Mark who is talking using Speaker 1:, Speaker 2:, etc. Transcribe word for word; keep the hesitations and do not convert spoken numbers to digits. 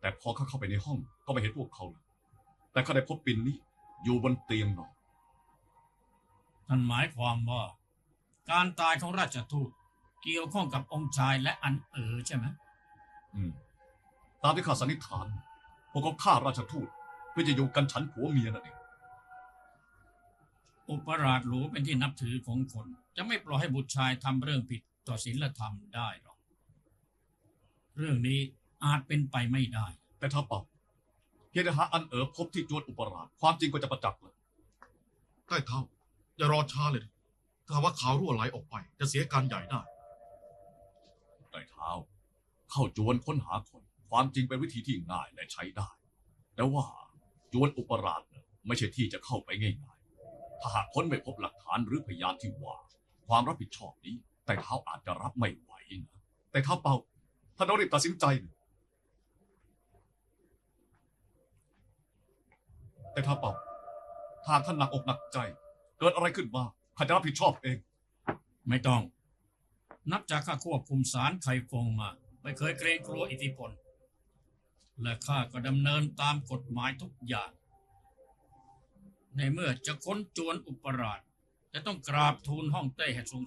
Speaker 1: แต่พอข้าเข้าไปในห้องก็ไม่เห็นพวกเขาเลยแต่ข้าได้พบปิ่นนี้อยู่บนเตียงนอน
Speaker 2: ท่านหมายความว่าการตายของราชทูตเกี่ยวข้องกับองค์ชายและอันเอ๋อใช่ไหม
Speaker 1: อืมตามที่ข้าสันนิษฐานพวกเขาฆ่าราชทูตเพื่อจะอยู่กันฉันผัวเมียนั่นเอง
Speaker 2: อุปราชหลวงเป็นที่นับถือของคนจะไม่ปล่อยให้บุตรชายทำเรื่องผิดต่อศีลธรรมได้หรอกเรื่องนี้อาจเป็นไปไม่ได้
Speaker 1: แต่ถ้าเป่าเพียงแต่หาอันเอ๋อพบที่จวนอุปราชความจริงก็จะประจักษ์เลย
Speaker 3: ใต้เท้าอย่ารอช้าเลยถ้าว่าข่าวรั่วไหลออกไปจะเสียการใหญ่ได้
Speaker 1: ใต้เท้าเข้าจวนค้นหาคนความจริงเป็นวิธีที่ง่ายและใช้ได้แต่ว่าจวนอุปราชไม่ใช่ที่จะเข้าไปง่ายๆถ้าหากค้นไม่พบหลักฐานหรือพยานที่ว่าความรับผิดชอบนี้ใต้เท้าอาจจะรับไม่ไหวนะแต่เท้าเป่าท่านต้องรีบตัดสินใจแต่เท้าเป่าถ้าท่านหนักอกหนักใจเกิดอะไรขึ้นมาข้าจะรับผิดชอบเอง
Speaker 2: ไม่ต้องนับจากข้าควบคุมศาลไคฟงมาไม่เคยเกรงกลัวอิทธิพลและข้าก็ดำเนินตามกฎหมายทุกอย่างในเมื่อจะค้นจวนอุปราชจะต้องกราบทูลฮ่องเต้ให้ทรง